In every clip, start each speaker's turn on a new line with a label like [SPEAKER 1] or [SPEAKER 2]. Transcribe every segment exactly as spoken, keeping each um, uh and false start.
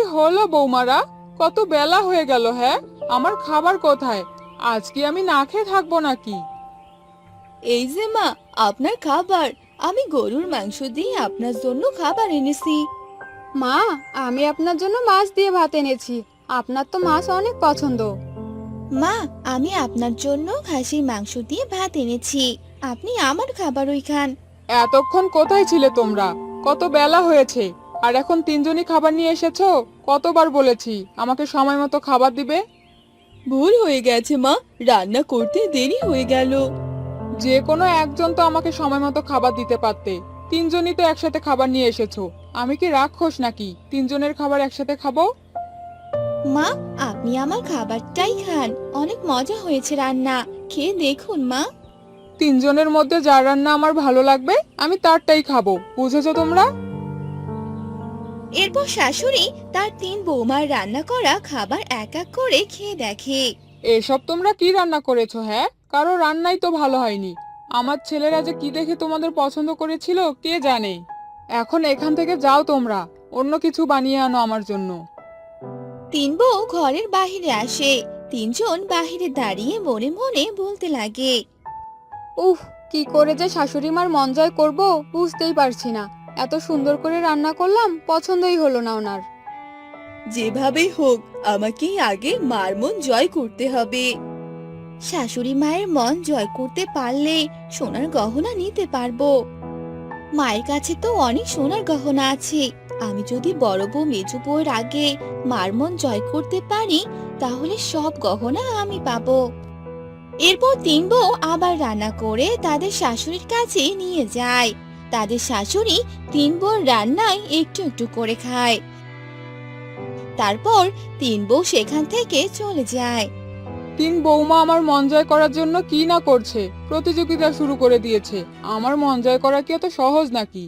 [SPEAKER 1] হলো বৌমারা? কত বেলা হয়ে গেল, হ্যাঁ? আমার খাবার কোথায়? আজকে আমি না খেয়ে থাকবো নাকি?
[SPEAKER 2] এই যে মা, আপনার খাবার। আমি গরুর মাংস দিয়ে আপনার জন্য খাবার এনেছি।
[SPEAKER 3] মা, আমি আপনার জন্য মাছ দিয়ে ভাত এনেছি। আপনার তো মাছ অনেক পছন্দ।
[SPEAKER 2] মা, আমি আপনার জন্য খাসির মাংস দিয়ে ভাত এনেছি। আপনি আমার খাবারই খান।
[SPEAKER 1] এতক্ষণ কোথায় ছিলে তোমরা? কত বেলা হয়েছে, আর এখন তিনজনই খাবার নিয়ে এসেছো? কতবার বলেছি আমাকে সময় মতো খাবার দিবে?
[SPEAKER 2] ভুল হয়ে গেছে মা, রান্না করতে দেরি হয়ে গেল।
[SPEAKER 1] যে কোনো একজন তো আমাকে সময় মতো খাবার দিতে পারতে। তিনজনই তো একসাথে খাবার নিয়ে এসেছো। আমি কি রাক্ষস নাকি তিনজনের খাবার একসাথে খাবো?
[SPEAKER 2] মা, আপনি আমার খাবারটাই খান। অনেক মজা হয়েছে রান্না, খেয়ে দেখুন মা।
[SPEAKER 1] তিনজনের মধ্যে যার রান্না আমার ভালো লাগবে আমি তারটাই খাবো, বুঝেছো তোমরা?
[SPEAKER 2] এরপর শাশুড়ি তার তিন বৌমার রান্না করা খাবার এক এক করে খেয়ে দেখে।
[SPEAKER 1] এসব তোমরা কি রান্না করেছো, হ্যাঁ? কারো রান্নাই তো ভালো হয়নি। আমার ছেলেরা যে কি দেখে তোমাদের পছন্দ করেছিল কে জানে। এখন এখান থেকে যাও তোমরা, অন্য কিছু বানিয়ে আনো আমার জন্য।
[SPEAKER 2] তিন বউ ঘরের বাহিরে আসে। তিনজন বাহিরে দাঁড়িয়ে মনে মনে বলতে লাগে।
[SPEAKER 3] উফ, কি করে যে শাশুড়ি মার মন জয় করবো বুঝতেই পারছি না। এত সুন্দর করে রান্না করলাম, পছন্দই হলো না ওনার।
[SPEAKER 2] যেভাবেই হোক আমাকে আগে মার মন জয় করতে হবে। শাশুড়ি মায়ের মন জয় করতে পারলে সোনার গহনা নিতে পারবো। মায়ের কাছে তো অনেক সোনার গহনা আছে। আমি যদি বড় বউ মেজো বউয়ের আগে মার মন জয় করতে পারি, তাহলে সব গহনা আমি পাবো। এরপর তিন বউ আবার রান্না করে তাদের শাশুড়ির কাছে নিয়ে যায়। তাদের শাশুড়ি তিন বউর রান্নায় একটু একটু করে খায়। তারপর তিন বউ সেখান থেকে চলে যায়।
[SPEAKER 1] তিন বৌমা আমার মন জয় করার জন্য কি না করছে, প্রতিযোগিতা শুরু করে দিয়েছে। আমার মন জয় করা কি এত সহজ নাকি?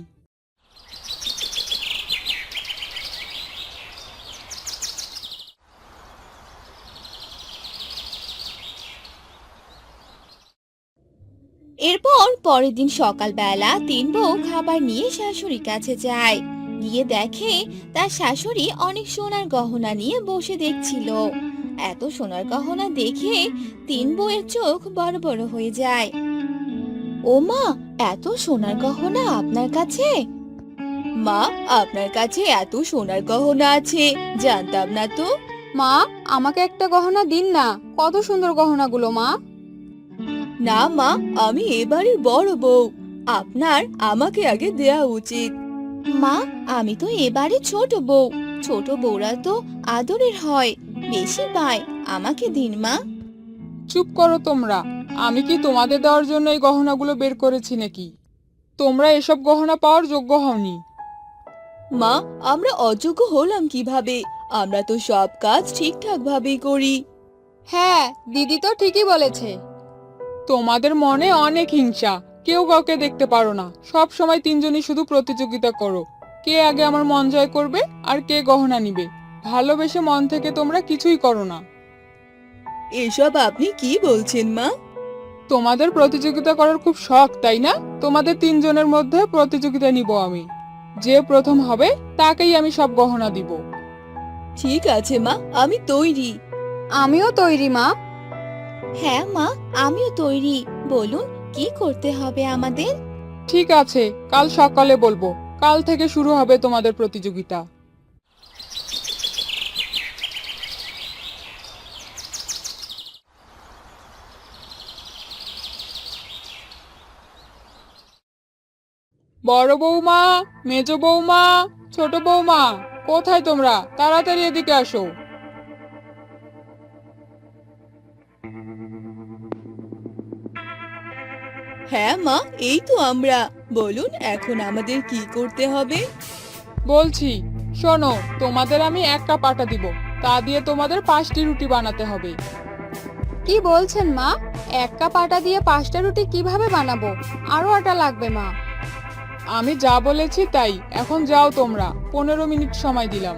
[SPEAKER 2] এরপর পরের দিন সকালবেলা তিন বউ খাবার নিয়ে শাশুড়ির কাছে যায়। গিয়ে দেখে তার শাশুড়ি অনেক সোনার গহনা নিয়ে বসে দেখছিল। এত সোনার গহনা দেখে তিন বউয়ের চোখ বড় বড় হয়ে যায়। ও মা, এত সোনার গহনা আপনার কাছে? মা, আপনার কাছে এত সোনার গহনা আছে জানতাম না তো।
[SPEAKER 3] মা, আমাকে একটা গহনা দিন না। কত সুন্দর গহনাগুলো মা।
[SPEAKER 2] না মা, আমি এবারের বড় বউ, আপনার আমাকে আগে দেয়া উচিত। মা, আমি তো এবারে ছোট বউ। ছোট বউরা তো আদরের হয়, বেশি পায়। আমাকে দিন মা।
[SPEAKER 1] চুপ করো তোমরা। আমি কি তোমাদের দেওয়ার জন্য এই গহনাগুলো বের করেছি নাকি? তোমরা এসব গহনা পাওয়ার যোগ্য হওনি।
[SPEAKER 2] মা, আমরা অযোগ্য হলাম কিভাবে? আমরা তো সব কাজ ঠিকঠাক ভাবেই করি।
[SPEAKER 3] হ্যাঁ, দিদি তো ঠিকই বলেছে।
[SPEAKER 1] তোমাদের মনে অনেক হিংসা, কেউ কাউকে দেখতে পারো না। সব সময় তিনজনই শুধু প্রতিযোগিতা করো, কে আগে আমার মন জয় করবে আর কে গহনা নিবে। ভালোবেসে মন থেকে তোমরা কিছুই করো না।
[SPEAKER 2] এসব আপনি কি বলছেন মা?
[SPEAKER 1] তোমাদের প্রতিযোগিতা করার খুব শখ, তাই না? তোমাদের তিনজনের মধ্যে প্রতিযোগিতা নিব আমি। যে প্রথম হবে তাকেই আমি সব গহনা দিব।
[SPEAKER 2] ঠিক আছে মা, আমি তৈরি।
[SPEAKER 3] আমিও তৈরি মা।
[SPEAKER 2] হ্যাঁ মা, আমিও তৈরি। বলুন কি করতে হবে আমাদের?
[SPEAKER 1] ঠিক আছে, কাল সকালে বলবো। কাল থেকে শুরু হবে তোমাদের প্রতিযোগিতা। বড় বৌমা, মেজ বৌমা, ছোট বৌমা, কোথায় তোমরা? তাড়াতাড়ি এদিকে আসো।
[SPEAKER 2] হ্যাঁ মা, এই তো আমরা। বলুন এখন আমাদের কি করতে হবে?
[SPEAKER 1] বলছি, শোনো, তোমাদের আমি এক কাপ আটা দিব। তা দিয়ে তোমাদের পাঁচটি রুটি বানাতে হবে।
[SPEAKER 3] কি বলছেন মা? এক কাপ আটা দিয়ে পাঁচটা রুটি কিভাবে বানাবো? আরো আটা লাগবে মা।
[SPEAKER 1] আমি যা বলেছি তাই। এখন যাও তোমরা, পনেরো মিনিট সময় দিলাম।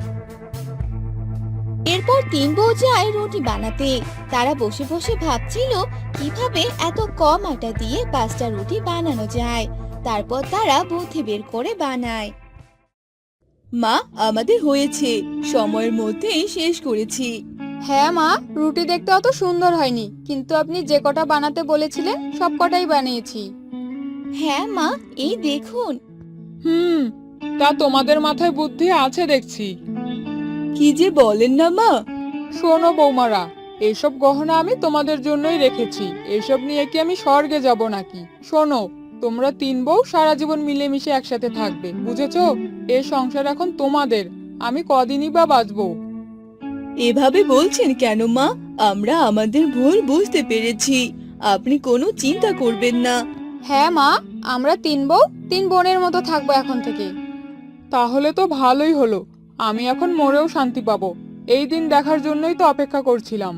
[SPEAKER 2] এরপর তিন বউ যায় রুটি বানাতে। তারা বসে বসে ভাবছিল কিভাবে এত কম আটা দিয়ে পাঁচটা রুটি বানানো যায়। তারপর তারা বুদ্ধি বের করে বানায়। মা, আমাদের হয়েছে, সময়ের মধ্যেই শেষ করেছি।
[SPEAKER 3] হ্যাঁ মা, রুটি দেখতে অত সুন্দর হয়নি, কিন্তু আপনি যে কটা বানাতে বলেছিলেন সব কটাই বানিয়েছি।
[SPEAKER 2] হ্যাঁ মা, এই দেখুন।
[SPEAKER 1] হুম, তা তোমাদের মাথায় বুদ্ধি আছে দেখছি।
[SPEAKER 2] কি যে বলেন না মা।
[SPEAKER 1] শোনো বৌমারা, এইসব গহনা আমি তোমাদের জন্যই রেখেছি। এসব নিয়ে কি আমি স্বর্গে যাব নাকি? শোনো, তোমরা তিন বউ সারা জীবন মিলেমিশে একসাথে থাকবে, বুঝেছো? এই সংসার এখন তোমাদের। আমি কদিনই বা বাঁচবো।
[SPEAKER 2] এভাবে বলছেন কেন মা? আমরা আমাদের ভুল বুঝতে পেরেছি, আপনি কোনো চিন্তা করবেন না।
[SPEAKER 3] হ্যাঁ মা, আমরা তিন বউ তিন বোনের মতো থাকবো এখন থেকে।
[SPEAKER 1] তাহলে তো ভালোই হলো। আমি এখন মরেও শান্তি পাবো। এই দিন দেখার জন্যই তো অপেক্ষা করছিলাম।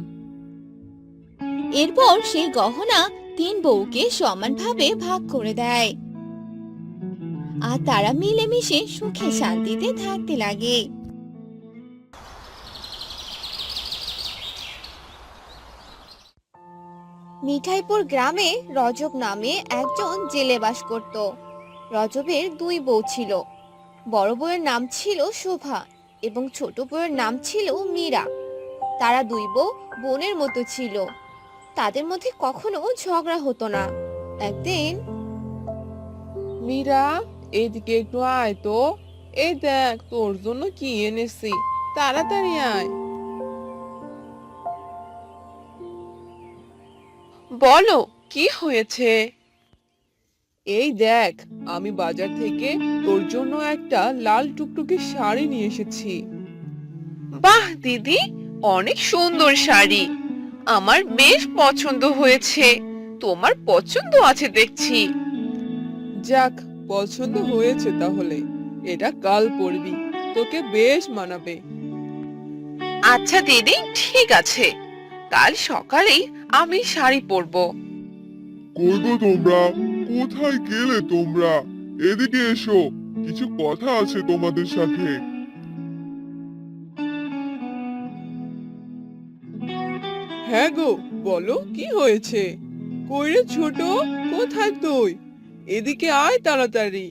[SPEAKER 2] এরপর সেই গহনা তিন বউকে সমানভাবে ভাগ করে দেয়, আর তারা মিলেমিশে সুখে শান্তিতে থাকতে লাগে।
[SPEAKER 4] মিঠাইপুর গ্রামে রজব নামে একজন জেলে বাস করত। রজবের দুই বউ ছিল। বড় বউয়ের নাম ছিল শোভা এবং ছোট বউয়ের নাম ছিল মীরা। তারা দুই বউ বোনের মতো ছিল। তাদের মধ্যে কখনো ঝগড়া হতো না। একদিন
[SPEAKER 5] মীরা, এদিকে একটু আয় তো। এই দেখ তোর জন্য কি এনেছি, তাড়াতাড়ি আয়। বলো, কি হয়েছে? এই দেখ, আমি বাজার থেকে তোর জন্য একটা লাল টুকটুকে শাড়ি নিয়ে এসেছি। বাহ দিদি, অনেক সুন্দর শাড়ি, আমার বেশ পছন্দ হয়েছে। তোমার পছন্দ আছে দেখছি। যাক, পছন্দ হয়েছে তাহলে এটা কাল পরবি, তোকে বেশ মানাবে। আচ্ছা দিদি, ঠিক আছে, কাল সকালেই আমি শাড়ি পরবো।
[SPEAKER 6] কই গো তোমরা, কোথায় গেলে তোমরা? এদিকে এসো, কিছু কথা আছে তোমাদের সাথে।
[SPEAKER 5] হ্যাঁ গো, বলো কি হয়েছে? কই রে ছোট, কোথায় তুই? এদিকে আয় তাড়াতাড়ি।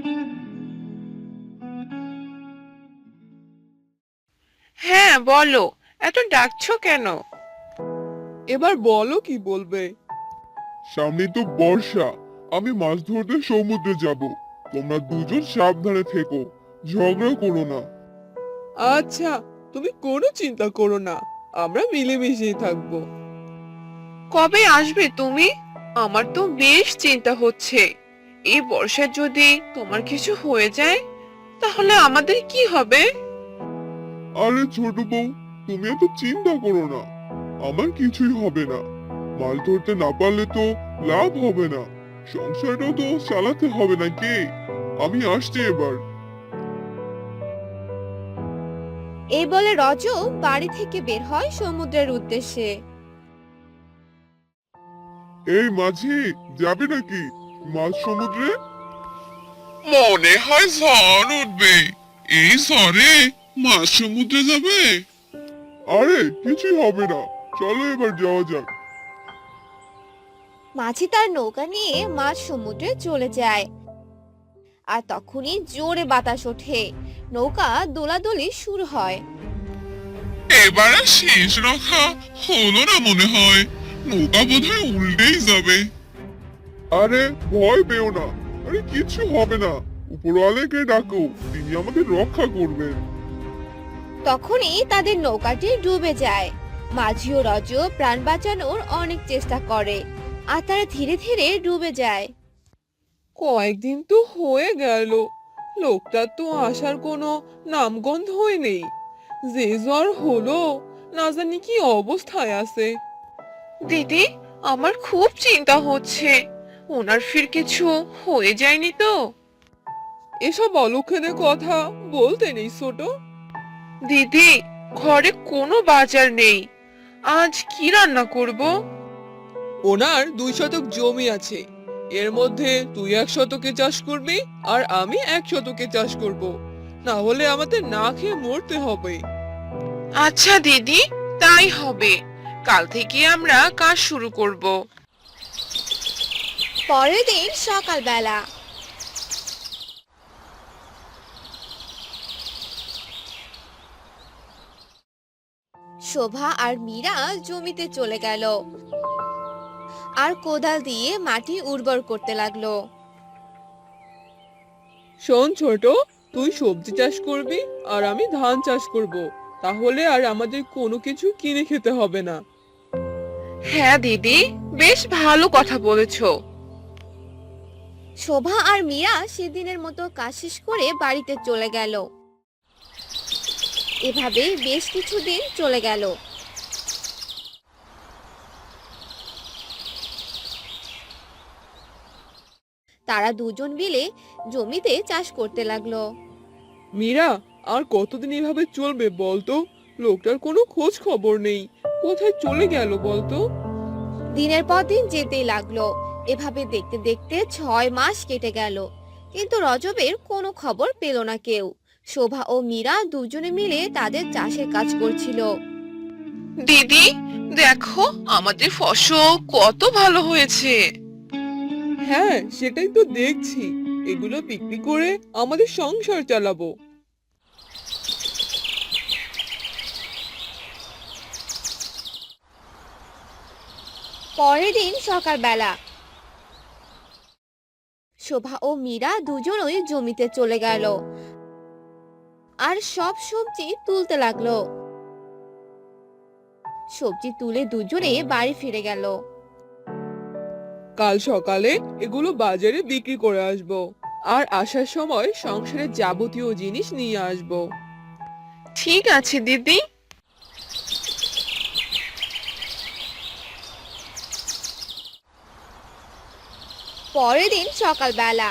[SPEAKER 5] হ্যাঁ বলো, এত ডাকছো কেন? এবার বলো কি বলবে।
[SPEAKER 6] সামনে তো বর্ষা, আমি মাছ ধরতে সমুদ্রে যাব। তোমরা দুজন সাবধানে থেকো, ঝগড়া করো না।
[SPEAKER 5] আচ্ছা, তুমি কোনো চিন্তা করো না, আমরা মিলেমিশেই থাকবো। কবে আসবে তুমি? আমার তো বেশ চিন্তা হচ্ছে। এই বর্ষায় যদি তোমার কিছু হয়ে যায়, তাহলে আমাদের কি হবে?
[SPEAKER 6] আরে ছোট বউ, তুমি এত চিন্তা করো না, আমার কিছুই হবে না। মাছ ধরতে না পারলে তো লাভ হবে না, সংসারটাও তো চালাতে হবে নাকি? আমি আসছি এবার।
[SPEAKER 4] এই বলে রজব বাড়ি থেকে বের হয় সমুদ্রের উদ্দেশ্যে।
[SPEAKER 6] এই মাঝি, যাবে নাকি মাছ সমুদ্রে? মনে হয় ঝড় উঠবে, এই ঝড়ে মাছ সমুদ্রে যাবে? আরে কিছুই হবে না, চলো এবার যাওয়া যাক।
[SPEAKER 4] মাঝি তার নৌকা নিয়ে মাঝ সমুদ্রে চলে যায়। আর তখনই জোরে বাতাস ওঠে, নৌকা দোলাদলি শুরু হয়।
[SPEAKER 6] এবারে শেষ রক্ষা হলো না মনে হয়, নৌকা বোধহয় উল্টেই যাবে। আরে ভয় পেও না, আরে কিছু হবে না, উপরওয়ালাকে ডাকো, তিনি আমাদের রক্ষা করবেন।
[SPEAKER 4] তখনই তাদের নৌকাটি ডুবে যায়। মাঝি ও রজব প্রাণ বাঁচানোর অনেক চেষ্টা করে, আর তারা ধীরে ধীরে ডুবে যায়।
[SPEAKER 5] কয়েকদিন তো হয়ে গেল, লোকটার তো আসার কোনো নামগন্ধই নেই। যে জ্বর হলো, না জানি কি অবস্থায় আছে। দিদি, আমার খুব চিন্তা হচ্ছে, ওনার ফির কিছু হয়ে যায়নি তো? এসব অলক্ষণের কথা বলতে নেই ছোট। দিদি, ঘরে কোনো বাজার নেই, আজ কি রান্না করব? ওনার দুই শতক জমি আছে, এর মধ্যে তুই এক শতকে চাষ করবি আর আমি এক শতকে চাষ করব, না হলে আমাদের না খেয়ে মরতে হবে। আচ্ছা দিদি, তাই হবে, কাল থেকে আমরা কাজ শুরু করব।
[SPEAKER 4] পরের দিন সকালবেলা শোভা আর মীরা জমিতে চলে গেল আর কোদাল দিয়ে মাটি উর্বর করতে লাগলো।
[SPEAKER 5] শোন ছোট, তুই সবজি চাষ করবি আর আমি ধান চাষ করব। তাহলে আর আমাদের কোনো কিছু কিনে খেতে হবে না।
[SPEAKER 7] হ্যাঁ দিদি, বেশ ভালো কথা বলেছো।
[SPEAKER 4] শোভা আর মীরা সেদিনের মতো কাজ শেষ করে বাড়িতে চলে গেল। এভাবে বেশ কিছুদিন চলে গেল। তারা দুজন মিলে জমিতে চাষ করতে লাগলো।
[SPEAKER 5] মীরা, আর কতদিন এভাবে চলবে বলতো? লোকটার কোনো খোঁজ খবর নেই, কোথায় চলে গেল বলতো?
[SPEAKER 4] দিনের পর দিন যেতেই লাগলো। এভাবে দেখতে দেখতে ছয় মাস কেটে গেল, কিন্তু রজবের কোনো খবর পেল না কেউ। শোভা ও মীরা দুজনে মিলে তাদের চাষের কাজ করছিল।
[SPEAKER 7] দিদি দেখো, আমাদের ফসল কত ভালো হয়েছে।
[SPEAKER 5] হ্যাঁ, সেটাই তো দেখছি। এগুলো বিক্রি করে আমাদের সংসার চালাবো।
[SPEAKER 4] পরের দিন সকালবেলা শোভা ও মীরা দুজনই জমিতে চলে গেল আর সব সবজি তুলতে লাগলো। সবজি তুলে দুজনে বাড়ি ফিরে গেল।
[SPEAKER 5] কাল সকালে এগুলো বাজারে বিক্রি করে আসবো, আর আসার সময় সংসারের যাবতীয় জিনিস নিয়ে আসবো।
[SPEAKER 7] ঠিক আছে দিদি।
[SPEAKER 4] পরের দিন সকালবেলা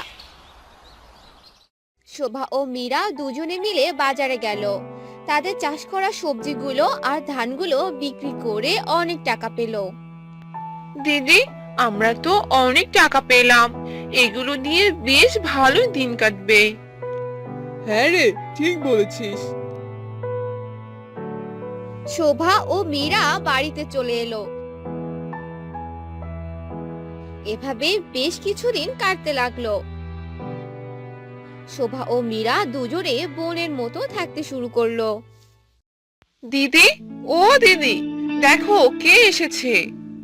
[SPEAKER 4] শোভা ও মীরা দুজনে মিলে বাজারে গেল। তাদের চাষ করা সবজিগুলো আর ধানগুলো বিক্রি করে অনেক টাকা পেল।
[SPEAKER 7] দিদি, আমরা তো অনেক টাকা পেলাম, এগুলো দিয়ে বেশ ভালোই দিন কাটবে।
[SPEAKER 5] হ্যাঁ রে, ঠিক বলেছিস।
[SPEAKER 4] শোভা ও মীরা বাড়িতে চলে এলো। এভাবে বেশ কিছুদিন কাটতে লাগলো। শোভা ও মীরা দুজনে বোনের মতো থাকতে শুরু করলো।
[SPEAKER 7] দিদি, ও দিদি, দেখো কে এসেছে।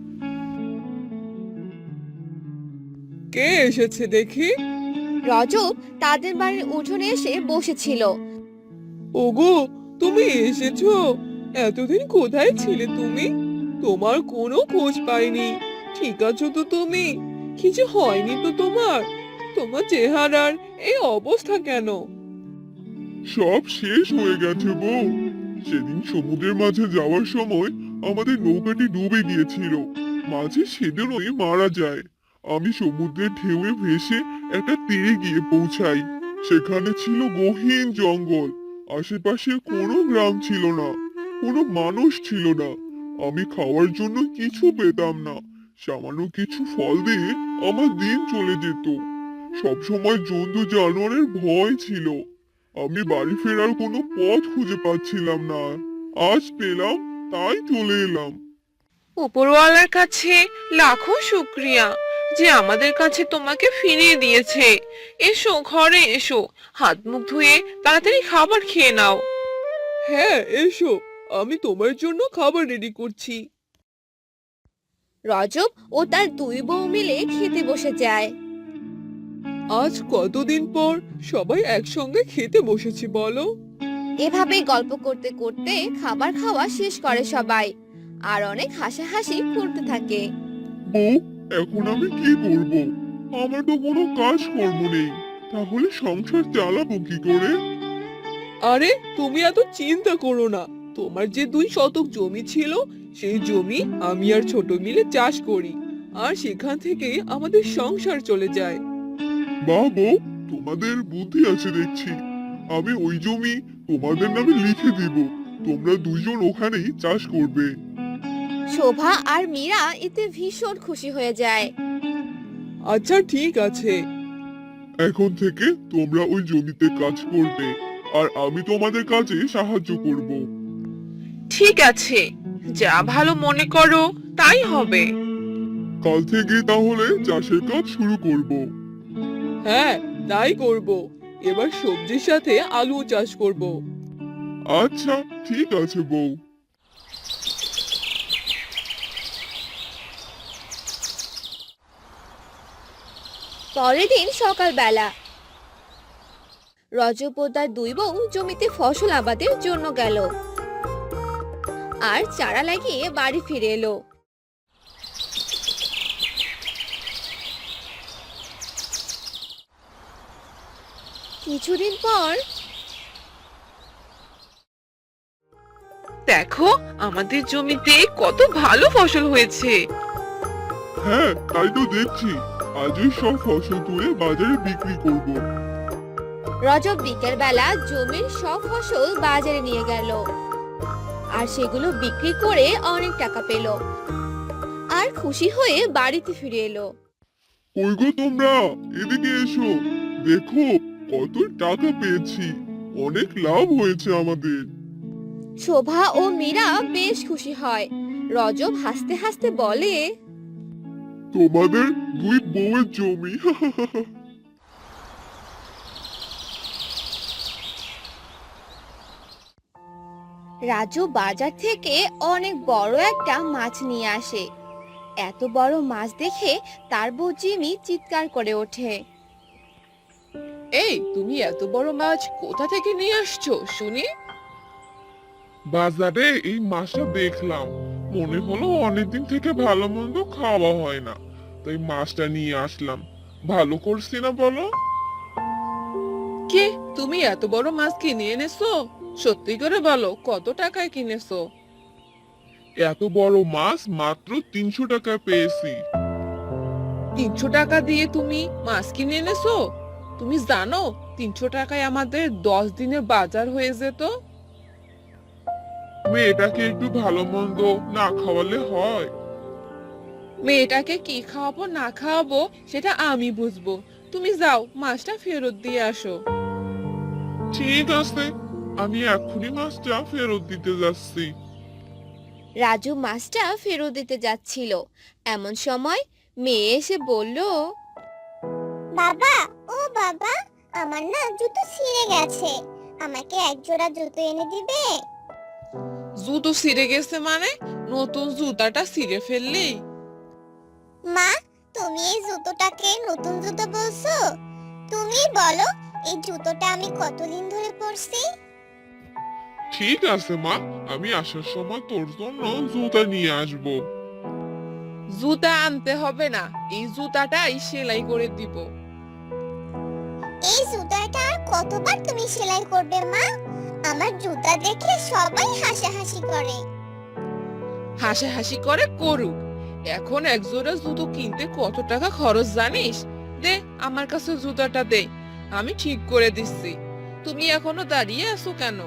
[SPEAKER 5] কে এসেছে দেখি?
[SPEAKER 4] রজব তাদের বাড়ির উঠোনে এসে বসেছিল।
[SPEAKER 5] ওগো, তুমি এসেছো? এতদিন কোথায় ছিলে তুমি? তোমার কোনো খোঁজ পাইনি। ঠিক আছো তো তুমি? কিছু হয়নি তো তোমার? তোমার চেহারার এই অবস্থা কেন?
[SPEAKER 6] সব শেষ হয়ে গেছে বউ। সেদিন সমুদ্রের মাঝে যাওয়ার সময় আমাদের নৌকাটি ডুবে গিয়েছিল। মাঝে সেদিনই মারা যায়। আমি সমুদ্রের ঢেউয়ে ভেসে একটা তীরে গিয়ে পৌঁছাই। সেখানে ছিল গহীন জঙ্গল। আশেপাশে কোনো গ্রাম ছিল না, কোনো মানুষ ছিল না। আমি খাওয়ার জন্য কিছু পেতাম না। সামান্য কিছু ফল দিয়ে আমার দিন চলে যেত। সবসময় জন্তু জানোয়ারের ভয় ছিল। আমি বাড়ি ফেরার কোনো পথ খুঁজে পাচ্ছিলাম না। আজ পেলাম, তাই চলে এলাম।
[SPEAKER 7] উপরওয়ালার কাছে লাখো শুক্রিয়া যে আমাদের কাছে তোমাকে ফিরিয়ে দিয়েছে। এসো, ঘরে এসো, হাত মুখ ধুয়ে তাড়াতাড়ি খাবার খেয়ে নাও।
[SPEAKER 5] হ্যাঁ, এসো, আমি তোমার জন্য খাবার রেডি করছি।
[SPEAKER 4] রজব ও তার দুই বউ মিলে খেতে বসে যায়।
[SPEAKER 5] আজ কতদিন পর সবাই একসঙ্গে খেতে বসেছি বলো?
[SPEAKER 4] এভাবে গল্প করতে করতে খাবার খাওয়া শেষ করে সবাই, আর অনেক হাসাহাসি করতে থাকে।
[SPEAKER 6] বউ, এখন আমি কি করব? আমার তো কোনো কাজ কর্ম নেই। তাহলে সংসার চালাবো কি করে?
[SPEAKER 5] আরে তুমি এত চিন্তা করো না। তোমার যে দুই শতক জমি ছিল, সেই জমি আমি আর ছোট মিলে চাষ করি, আর সেখান থেকে আমাদের সংসার চলে যায়।
[SPEAKER 6] বাহ বউ, তোমাদের বুদ্ধি আছে দেখছি। আমি ওই জমি তোমাদের নামে লিখে দিব। তোমরা দুইজন ওখানেই চাষ করবে।
[SPEAKER 4] শোভা আর মীরা এতে ভীষণ খুশি হয়ে যায়।
[SPEAKER 5] আচ্ছা ঠিক আছে।
[SPEAKER 6] এখন থেকে তোমরা ওই জমিতে কাজ করবে, আর আমি তোমাদের কাজে সাহায্য করব।
[SPEAKER 7] ঠিক আছে, যা ভালো মনে করো তাই হবে।
[SPEAKER 6] কাল থেকে তাহলে চাষের কাজ শুরু করব।
[SPEAKER 5] হ্যাঁ, তাই করব। এবার সবজির সাথে আলু চাষ করব।
[SPEAKER 6] আচ্ছা ঠিক আছে বউ।
[SPEAKER 4] পরের দিন সকালবেলা রজব ও তার দুই বউ জমিতে ফসল আবাদের জন্য গেল আর চারা লাগিয়ে বাড়ি ফিরে এলো। কিছুদিন পর
[SPEAKER 7] দেখো আমাদের জমিতে কত ভালো ফসল হয়েছে।
[SPEAKER 6] হ্যাঁ তাই তো দেখছি, আজই সব ফসল তুলে বাজারে বিক্রি করব।
[SPEAKER 4] রজব বিকেল বেলা জমির সব ফসল বাজারে নিয়ে গেল আর সেগুলো বিক্রি করে অনেক টাকা পেল আর খুশি হয়ে বাড়িতে ফিরে এলো।
[SPEAKER 6] কই গো তোমরা, এদিকে এসো, দেখো কত টাকা পেয়েছি, অনেক লাভ হয়েছে আমাদের।
[SPEAKER 4] শোভা ও মীরা বেশ খুশি হয়। রজব হাসতে হাসতে বলে,
[SPEAKER 6] তোমাদের দুই বউয়ের জমি।
[SPEAKER 4] রাজু বাজার থেকে অনেক বড় একটা মাছ নিয়ে আসে। এত বড় মাছ দেখে তার বউ জিমি চিৎকার করে ওঠে।
[SPEAKER 5] এই তুমি এত বড় মাছ কোথা থেকে নিয়ে আসছো শুনি?
[SPEAKER 6] বাজারে এই মাছটা দেখলাম, মনে হলো অনেকদিন থেকে ভালো মন্দ খাওয়া হয় না, তাই মাছটা নিয়ে আসলাম। ভালো করছি না বলো?
[SPEAKER 5] কে তুমি এত বড় মাছ কিনে এনেছো? সত্যি করে বলো কত টাকায় কিনেছো?
[SPEAKER 6] এত বড় মাছ মাত্র তিনশো টাকায় পেয়েছি।
[SPEAKER 5] তিনশো টাকা দিয়ে তুমি মাছ কিনে এনেছো? তুমি জানো তিনশো টাকায় আমাদের দশ দিনের বাজার হয়ে যেত।
[SPEAKER 6] মেয়েটাকে একটু ভালো মন্দ না খাওয়ালে হয়?
[SPEAKER 5] মেয়েটাকে কি খাওয়াবো না খাওয়াবো সেটা আমি বুঝবো। তুমি যাও মাছটা ফেরত দিয়ে আসো।
[SPEAKER 6] ঠিক আছে, আমি এক্ষুনি মাছটা ফেরত দিতে যাচ্ছি।
[SPEAKER 4] রাজু মাছটা ফেরত দিতে যাচ্ছিল, এমন সময় মেয়ে এসে বলল,
[SPEAKER 8] বাবা, ও বাবা, আমার না জুতো ছিঁড়ে গেছে, আমাকে এক জোড়া জুতো এনে দিবে?
[SPEAKER 5] জুতো ছিঁড়ে গেছে মানে? নতুন জুতাটা ছিঁড়ে ফেললি?
[SPEAKER 8] মা, তুমি এই জুতোটাকে নতুন জুতো বলছো? তুমি বলো এই জুতোটা আমি কতদিন ধরে পরছি?
[SPEAKER 6] ঠিক আছে মা, আমি আসার সময় তোর জন্য জুতা নিয়ে আসবো।
[SPEAKER 5] জুতা আনতে হবে না, এই জুতাটাই সেলাই করে দিব।
[SPEAKER 8] এই জুতাটা আর কতবার তুমি সেলাই করবে মা? আমার জুতা দেখে সবাই হাসাহাসি করে।
[SPEAKER 5] হাসাহাসি করে করুক, এখন এক জোড়া জুতো কিনতে কত টাকা খরচ জানিস? দে আমার কাছে জুতাটা দে, আমি ঠিক করে দিচ্ছি। তুমি এখনো দাঁড়িয়ে আছো কেন?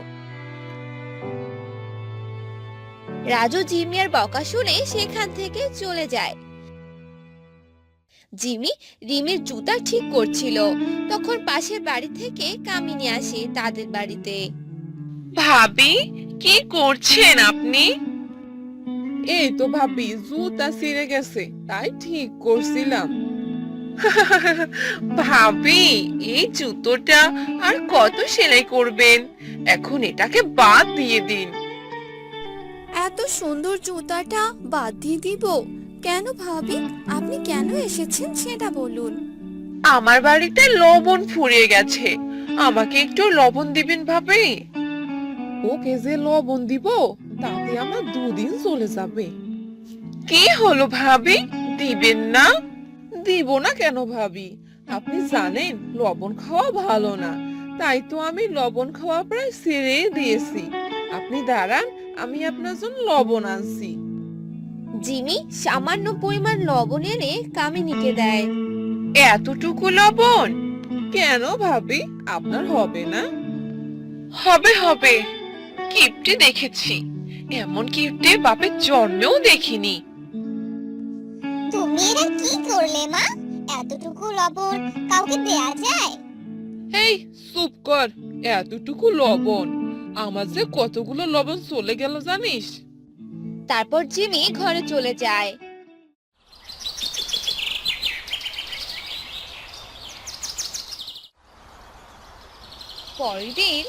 [SPEAKER 4] রাজু জিমির বকা শুনে সেখান থেকে চলে যায়। জিমি রিমির জুতা ঠিক করছিল, তখন পাশের বাড়ি থেকে কামিনী আসে তাদের বাড়িতে।
[SPEAKER 7] ভাবি কি করছেন আপনি?
[SPEAKER 5] এই তো ভাবি জুতা ছিঁড়ে গেছে, তাই ঠিক করছিলাম।
[SPEAKER 7] ভাবি এই জুতোটা আর কত সেলাই করবেন? এখন এটাকে বাদ দিয়ে দিন।
[SPEAKER 2] এত সুন্দর জুতাটা বাদ দিয়ে দিব কেন ভাবি? আপনি কেন এসেছেন সেটা বলুন।
[SPEAKER 7] আমার বাড়িতে লবণ ফুরিয়ে গেছে, আমাকে একটু লবণ দিবেন ভাবি।
[SPEAKER 5] ওকে যে লবণ দিব তাতে আমার দুদিন চলে যাবে।
[SPEAKER 7] কি হলো ভাবি, দিবেন না?
[SPEAKER 5] দিব না কেন ভাবি? আপনি জানেন লবণ খাওয়া ভালো না, তাই তো আমি লবণ খাওয়া প্রায় ছেড়েই দিয়েছি। আপনি দাঁড়ান, আমি আপনার জন্য লবণ আনছি।
[SPEAKER 4] জিমি সামান্য পরিমাণ লবণ এনে কামিনীকে দেয়।
[SPEAKER 7] এতটুকু লবণ?
[SPEAKER 5] কেন ভাবি, আপনার হবে না?
[SPEAKER 7] হবে হবে, কিপটে দেখেছি, এমন কিপটে বাপের জন্মেও দেখিনি।
[SPEAKER 8] তুমি এটা কি করলে মা? এতটুকু লবণ কাউকে দেয়া যায়?
[SPEAKER 5] এই চুপ কর, এতটুকু লবণ আমার যে কতগুলো লবণ চলে গেল জানিস?
[SPEAKER 4] তারপর জিমি ঘরে চলে যায়। পরের দিন,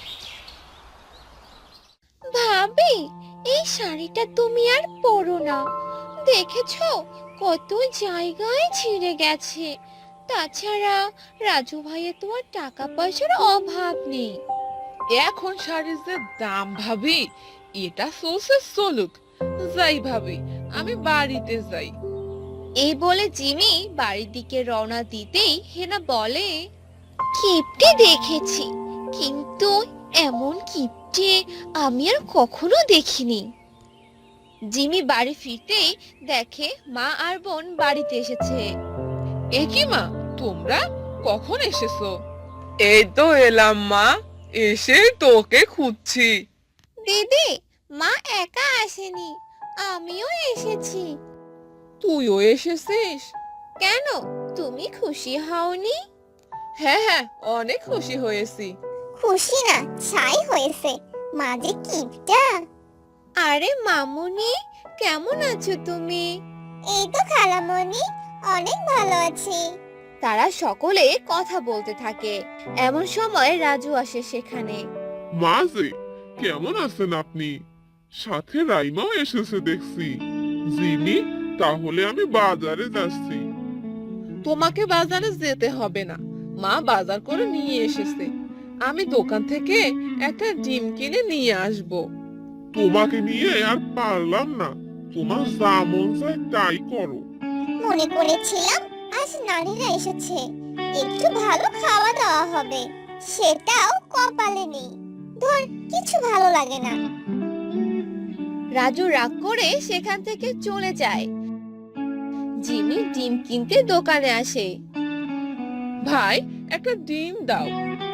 [SPEAKER 4] ভাবি এই শাড়িটা তুমি আর পরো না, দেখেছো কত জায়গায় ছিঁড়ে গেছে, তাছাড়া রাজু ভাইয়ের তো আর টাকা পয়সার অভাব নেই।
[SPEAKER 7] এখন শাড়ির যে দাম ভাবি, এটা চলছে চলুক। যাই ভাবি, আমি বাড়িতে যাই।
[SPEAKER 4] এই বলে জিমি বাড়ির দিকে রওনা দিতেই হেনা বলে, কিপটে দেখেছি, কিন্তু এমন কিপটে আমি আর কখনো দেখিনি। জিমি বাড়ি ফিরতেই দেখে মা আর বোন বাড়িতে এসেছে।
[SPEAKER 7] এ কি মা, তোমরা কখন এসেছো? এই তো এলাম মা, এসে তোকে খুঁজছি।
[SPEAKER 4] দিদি, মা একা আসেনি, আমিও এসেছি।
[SPEAKER 7] তুইও এসেছিস?
[SPEAKER 4] কেন, তুমি খুশি হওনি?
[SPEAKER 7] হ্যাঁ হ্যাঁ, অনেক খুশি হয়েছি।
[SPEAKER 8] খুশি না, ছাই হয়েছে। মা যে কিপটা।
[SPEAKER 4] আরে মামুনি, কেমন আছো তুমি?
[SPEAKER 8] এই তো খালামণি, অনেক ভালো আছি।
[SPEAKER 4] তারা সকলে কথা বলতে থাকে। এমন সময় রাজু আসে সেখানে।
[SPEAKER 6] মা যে, কেমন আছেন আপনি? সাথে রাইমাও এসেছে দেখছি। জিমি, তাহলে আমি বাজারে যাচ্ছি।
[SPEAKER 7] তোমাকে বাজারে যেতে হবে না, মা বাজার করে নিয়ে এসেছে। আমি দোকান থেকে একটা ডিম কিনে নিয়ে আসব।
[SPEAKER 6] তোমাকে নিয়ে আর পারলাম না। তোমার যা মন চায় তাই করো।
[SPEAKER 8] মনে করেছিলাম আজ নারীরা এসেছে, একটু ভালো খাওয়া দাওয়া হবে, সেটাও কপালে নেই। ধর, কিছু ভালো লাগে না।
[SPEAKER 4] রাজু রাগ করে সেখান থেকে চলে যায়। জিমি ডিম কিনতে দোকানে আসে।
[SPEAKER 7] ভাই, একটা ডিম দাও।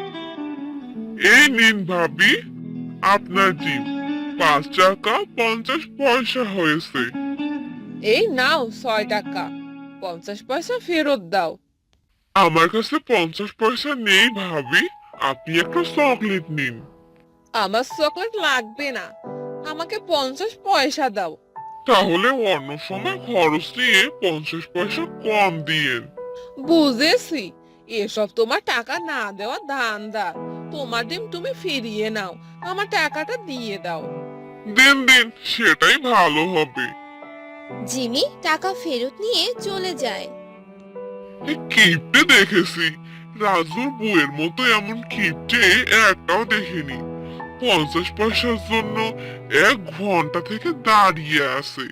[SPEAKER 6] এই নিন ভাবি, আপনার ডিম। পাঁচ টাকা পঞ্চাশ পয়সা হয়েছে।
[SPEAKER 7] এই নাও ছয় টাকা, পঞ্চাশ পয়সা ফেরত দাও।
[SPEAKER 6] আমার কাছে পঞ্চাশ পয়সা নেই ভাবি, আপনি একটা চকলেট নিন।
[SPEAKER 7] আমার চকলেট লাগবে না, আমাকে পঞ্চাশ পয়সা দাও।
[SPEAKER 6] তাহলে অন্য সময় খরচ নিয়ে পঞ্চাশ পয়সা কম দিয়েন।
[SPEAKER 7] বুঝেছি, এসব তোমার টাকা না দেওয়া ধান্দা। তোমার ডিম তুমি ফিরিয়ে নাও, আমার টাকাটা দিয়ে দাও।
[SPEAKER 6] দিন দিন, সেটাই ভালো হবে।
[SPEAKER 4] জিমি টাকা ফেরত নিয়ে চলে যায়।
[SPEAKER 6] এই কিপটে দেখেছি, রাজুর বউয়ের মতো এমন কিপটে একটাও দেখিনি। পঞ্চাশ পয়সার জন্য এক ঘন্টা থেকে দাঁড়িয়ে আছে।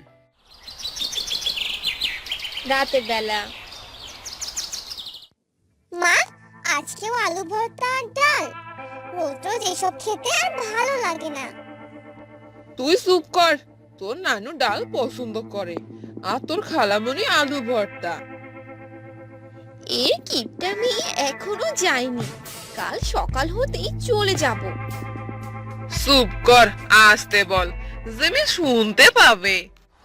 [SPEAKER 4] রাতের বেলা
[SPEAKER 8] মা, আজকেও আলু ভর্তা আর ডাল। রোজ রোজ এসব খেতে আর ভালো লাগে না।
[SPEAKER 7] তুই চুপ কর, তোর নানু ডাল পছন্দ করে, আর তোর খালামণি আলু ভর্তা।
[SPEAKER 4] এর কিপটামি এখনো যায়নি, কাল সকাল হতেই চলে যাব।
[SPEAKER 7] চুপ কর, আসতে বল, জিমি শুনতে পাবে।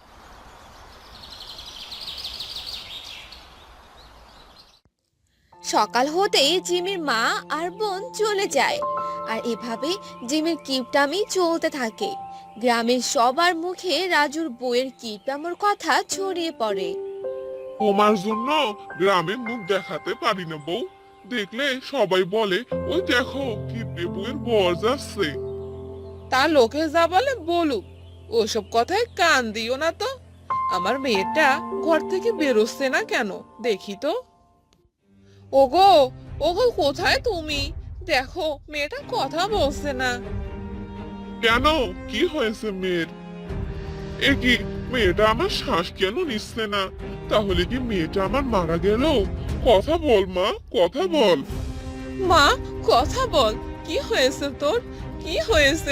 [SPEAKER 4] সকাল হতেই জিমির মা আর বোন চলে যায়। আর এভাবে জিমির কিপটামি চলতে থাকে। গ্রামের সবার মুখে রাজুর বউয়ের কিপটামোর কথা ছড়িয়ে পড়ে।
[SPEAKER 6] তোমার জন্য গ্রামে মুখ দেখাতে পারি না বউ। দেখলে সবাই বলে, ওই দেখো কিপটে বউয়ের বর যাচ্ছে।
[SPEAKER 7] তা লোকে যা বলে বলুক, ওসব কথায় কান দিও না তো। আমার মেয়েটা ঘর থেকে বেরোচ্ছে না কেন, দেখি তো। ওগো, ওগো, কোথায় তুমি? দেখো, মেয়েটা কথা বলছে না।
[SPEAKER 6] কেন, কি হয়েছে মেয়ের? এ কি, মেয়েটা আমার শ্বাস কেন নিচ্ছে না? তাহলে কি মেয়েটা আমার মারা গেল? কথা বল মা, কথা বল।
[SPEAKER 7] মা, কথা বল, কি হয়েছে তোর, কি হয়েছে?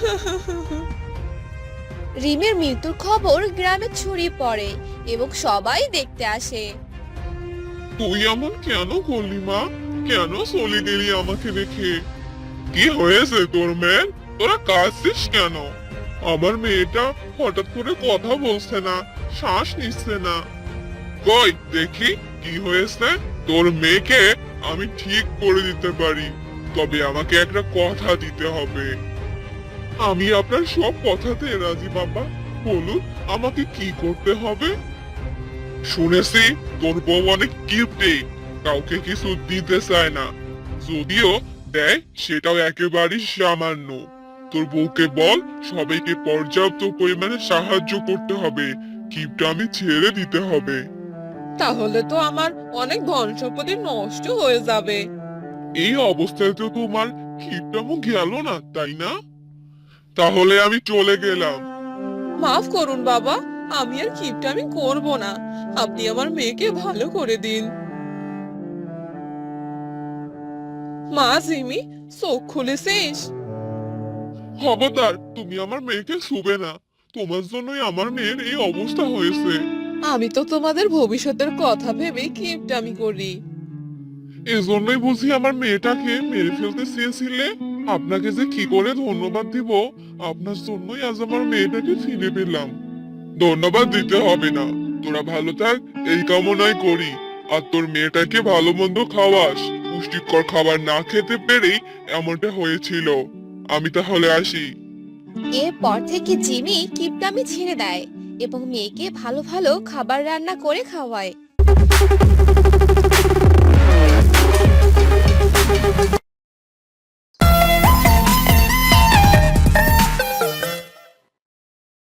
[SPEAKER 4] রিমের মৃত্যুর খবর গ্রামে ছড়িয়ে পড়ে এবং সবাই দেখতে আসে।
[SPEAKER 6] তুই এমন কেন করলি মা? কেন চলে গেলি আমাকে রেখে? কি হয়েছে তোর মেয়ের? তোরা কাঁদছিস কেন? আমার মেয়েটা হঠাৎ করে কথা বলছে না, শ্বাস নিচ্ছে না। কই দেখি কি হয়েছে? তোর মেয়েকে আমি ঠিক করে দিতে পারি, তবে আমাকে একটা কথা দিতে হবে। আমি আপনার সব কথাতে রাজি বাবা, বলুন আমাকে কি করতে হবে? শুনেছি তোর বউ অনেক কিপটে, কাউকে কিছু দিতে চায় না, যদিও দেয় সেটাও একেবারেই সামান্য। তোর বউকে বল সবাইকে পর্যাপ্ত পরিমাণে সাহায্য করতে হবে, কিপটা আমি ছেড়ে দিতে হবে।
[SPEAKER 7] তাহলে তো আমার অনেক ধন সম্পত্তি নষ্ট হয়ে যাবে।
[SPEAKER 6] এই অবস্থায় তো তোমার কিপটামো গেল না, তাই না? তাহলে আমি চলে গেলাম।
[SPEAKER 7] মাফ করুন বাবা, আমি আর কিপটা আমি করব না। আপনি আমার মেয়েকে ভালো করে দিন। মা জিমি, চোখ খুলেছিস?
[SPEAKER 6] খবরদার, তুমি আমার মেয়েকে ছুবে না। তোমার জন্যই আমার মেয়ের এই অবস্থা হয়েছে।
[SPEAKER 7] আমি তো তোমাদের ভবিষ্যতের কথা ভেবে কিপটামি করি।
[SPEAKER 6] এজন্যই বুঝি আমার মেয়েটাকে মেরে ফেলতে চেয়েছিলে। আপনাকে যে কি করে ধন্যবাদ দিব, আপনার জন্যই আজ আমার মেয়েটাকে ফিরে পেলাম। ধন্যবাদ দিতে হবে না, তোরা ভালো থাক এই কামনাই করি। আর তোর মেয়েটাকে ভালো মন্দ খাওয়াস। পুষ্টিকর খাবার না খেতে পেরেই এমনটা হয়েছিল। আমি তাহলে আসি।
[SPEAKER 4] এরপর থেকে জিমি কিপটামি ছেড়ে দেয় এবং মেয়েকে ভালো ভালো খাবার রান্না করে খাওয়ায়।